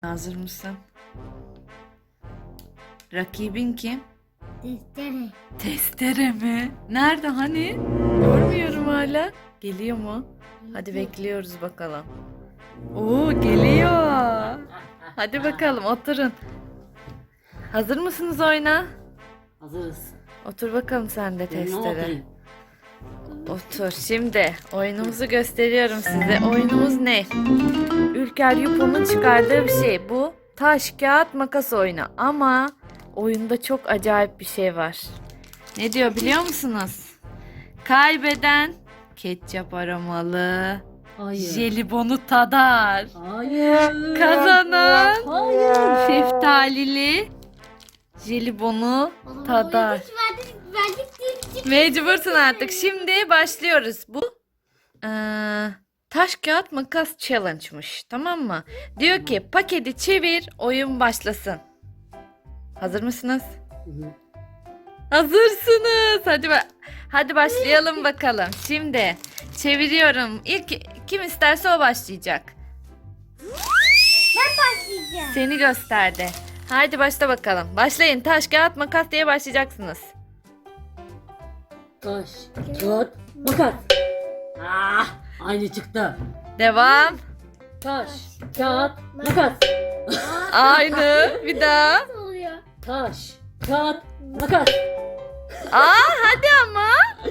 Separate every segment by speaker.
Speaker 1: Hazır mısın? Rakibin kim?
Speaker 2: Testere.
Speaker 1: Testere mi? Nerede hani? Görmüyorum hala. Geliyor mu? Hadi bekliyoruz bakalım. Oo, geliyor. Hadi bakalım oturun. Hazır mısınız oyuna?
Speaker 3: Hazırız.
Speaker 1: Otur bakalım sen de
Speaker 3: Ben ne
Speaker 1: testere.
Speaker 3: oturayım?
Speaker 1: Otur. Şimdi oyunumuzu gösteriyorum size. Oyunumuz ne? Ülker Yupo'nun çıkardığı bir şey. Bu taş, kağıt, makas oyunu. Ama oyunda çok acayip bir şey var. Ne diyor biliyor musunuz? Kaybeden ketçap aromalı
Speaker 3: Hayır.
Speaker 1: jelibonu tadar.
Speaker 3: Hayır.
Speaker 1: Kazanan
Speaker 3: Hayır.
Speaker 1: şeftalili jelibonu tadar.
Speaker 2: Verdik.
Speaker 1: Mecbursun artık. Şimdi başlıyoruz. Bu taş kağıt makas challenge'mış. Tamam mı? Diyor ki paketi çevir, oyun başlasın. Hazır mısınız? Hazırsınız. Hadi başlayalım bakalım. Şimdi çeviriyorum. İlk kim isterse o başlayacak.
Speaker 2: Başlayacağım.
Speaker 1: Seni gösterdi. Haydi başla bakalım. Başlayın. Taş kağıt makas diye başlayacaksınız.
Speaker 3: Taş, kağıt, makas. Ah, aynı çıktı.
Speaker 1: Devam.
Speaker 3: Taş, kağıt, makas.
Speaker 1: Aynı. Bir daha.
Speaker 2: Nasıl oluyor?
Speaker 3: Taş, kağıt, makas.
Speaker 1: Hadi ama.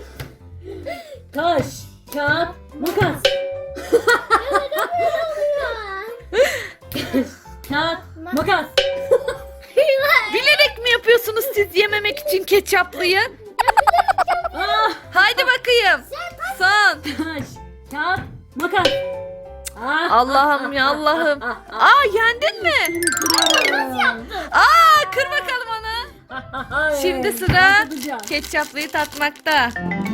Speaker 3: Taş, kağıt, makas. Kağıt, makas.
Speaker 1: Bilerek mi yapıyorsunuz siz yememek için ketçaplıyı?
Speaker 3: Ah,
Speaker 1: Haydi bakayım. Son.
Speaker 3: taş, kağıt, makas. Ah,
Speaker 1: Allah'ım ya Allah'ım. Yendin mi? Kır bakalım onu. Şimdi sıra ketçaplıyı tatmakta.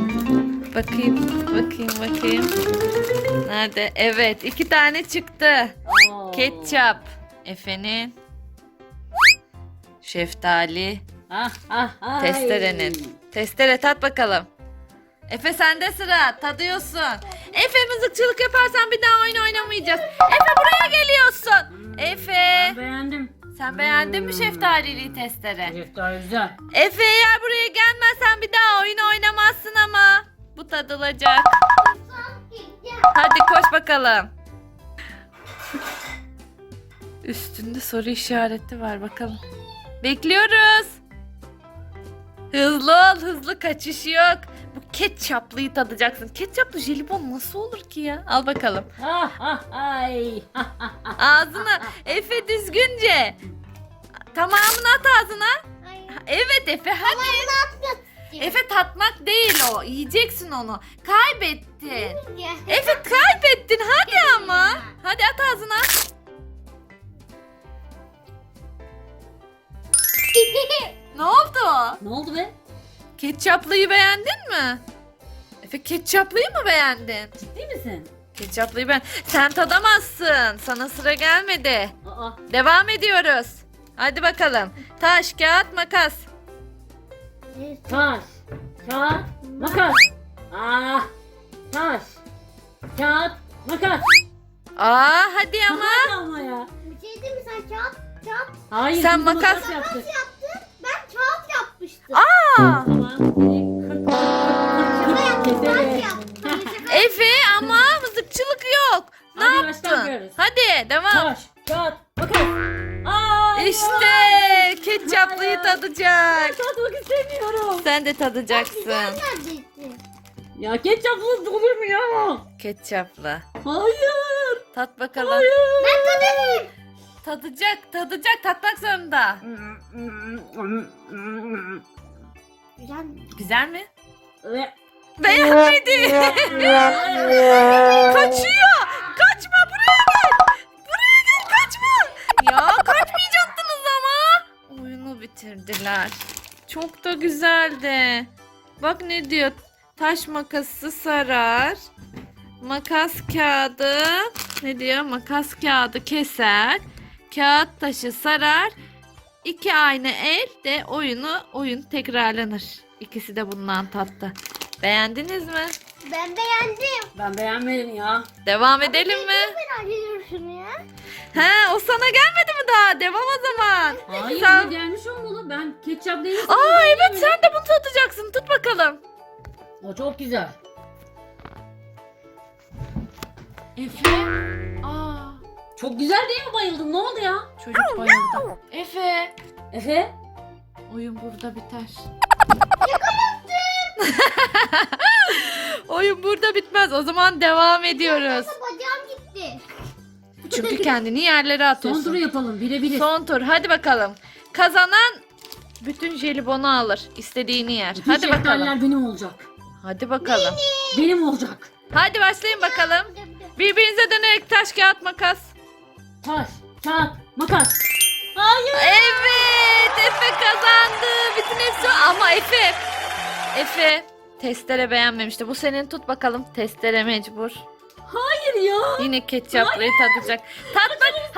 Speaker 1: Bakayım. Nerede? Evet, 2 tane çıktı. Ketçap. Efe'nin. Şeftali. Testerenin. Testere tat bakalım. Efe sende sıra. Tadıyorsun. Efe mızıkçılık yaparsan bir daha oyun oynamayacağız. Efe buraya geliyorsun. Efe.
Speaker 3: Ben beğendim.
Speaker 1: Sen beğendin mi şeftalili testere?
Speaker 3: Şeftali güzel.
Speaker 1: Efe eğer buraya gelmezsen bir daha oyun oynamazsın ama. Bu tadılacak. Hadi koş bakalım. Üstünde soru işareti var bakalım. Bekliyoruz. Hızlı ol, hızlı kaçış yok. Bu ketçaplıyı tadacaksın. Ketçaplı jelibon nasıl olur ki ya? Al bakalım. Ağzına Efe düzgünce. Tamamını at ağzına. Evet Efe hadi. Efe tatmak değil o. Yiyeceksin onu. Kaybettin. Efe kaybettin hadi ama. Hadi at ağzına. Ne oldu?
Speaker 3: Ne oldu be?
Speaker 1: Ketçaplıyı beğendin mi? Efe ketçaplıyı mı beğendin?
Speaker 3: Ciddi misin?
Speaker 1: Ketçaplıyı sen tadamazsın. Sana sıra gelmedi.
Speaker 3: Aa,
Speaker 1: Devam ediyoruz. Hadi bakalım. Taş, kağıt, makas.
Speaker 3: taş, kağıt, makas. Ah, taş, kağıt, makas.
Speaker 1: Hadi ama.
Speaker 3: Hadi ama ya.
Speaker 2: Bir şey değil mi sen kağıt?
Speaker 3: Hayır.
Speaker 1: Sen
Speaker 3: biz
Speaker 1: makas-
Speaker 3: yaptık.
Speaker 2: Ben kağıt yapmıştım.
Speaker 3: Tamam.
Speaker 2: Ben
Speaker 3: Keselim.
Speaker 2: yaptım.
Speaker 1: Efe ama mızıkçılık yok. Ne
Speaker 3: Hadi
Speaker 1: yaptın?
Speaker 3: başlamıyoruz.
Speaker 1: Hadi devam.
Speaker 3: Taş, kağıt, makas. Aa,
Speaker 1: İşte ketçaplıyı
Speaker 3: Ben
Speaker 1: tadacak.
Speaker 3: tatmak istemiyorum.
Speaker 1: Sen de tadacaksın.
Speaker 2: Neredesin?
Speaker 3: Ya ketçaplı olur mu ya?
Speaker 1: Ketçaplı.
Speaker 3: Hayır.
Speaker 1: Tat bakalım.
Speaker 3: Hayır.
Speaker 1: Tadacak. Tatmak zorunda.
Speaker 2: Güzel mi?
Speaker 1: Güzel mi?
Speaker 3: Ve-
Speaker 1: Beğenmedi. Kaçıyor. Kaçma buraya gel. Buraya gel kaçma. Ya kaçmayacaktınız ama. Oyunu bitirdiler. Çok da güzeldi. Bak ne diyor. Taş makası sarar. Makas kağıdı. Ne diyor? Makas kağıdı keser. Kağıt taşı sarar. 2 aynı el de oyun tekrarlanır. İkisi de bundan tattı. Beğendiniz mi?
Speaker 2: Ben beğendim.
Speaker 3: Ben beğenmedim ya.
Speaker 1: Devam edelim mi?
Speaker 2: Merak ediyorum şunu ya.
Speaker 1: O sana gelmedi mi devam o zaman.
Speaker 3: Hayır
Speaker 1: Sen-
Speaker 3: ne gelmiş olmalı. Ben ketçap değil.
Speaker 1: Aa evet sen de bunu tutacaksın. Tut bakalım.
Speaker 3: O çok güzel.
Speaker 1: Efe. Aa
Speaker 3: Çok güzel değil mi, bayıldın? Ne oldu ya?
Speaker 1: çocuk bayıldı. Efe.
Speaker 3: Efe?
Speaker 1: Oyun burada biter. Oyun burada bitmez. O zaman devam ediyoruz.
Speaker 2: Bacağım gitti.
Speaker 1: Çünkü kendini yerlere
Speaker 3: Son
Speaker 1: atıyorsun.
Speaker 3: turu yapalım. Birebir.
Speaker 1: Son tur. Hadi bakalım. Kazanan bütün jelibonu alır. İstediğini yer.
Speaker 3: Bütün
Speaker 1: Hadi bakalım.
Speaker 3: şeftaliler benim olacak.
Speaker 1: Hadi bakalım.
Speaker 3: Benim olacak.
Speaker 1: Hadi başlayın bakalım. Birbirinize dönerek taş kağıt makas.
Speaker 3: Taş, kağıt, makas. Hayır.
Speaker 1: Evet, Efe kazandı. Bütün hepsi ama Efe testere beğenmemişti. Bu senin, tut bakalım. Testere mecbur.
Speaker 3: Hayır ya.
Speaker 1: Yine ketçaplıyı tadacak. Tatmak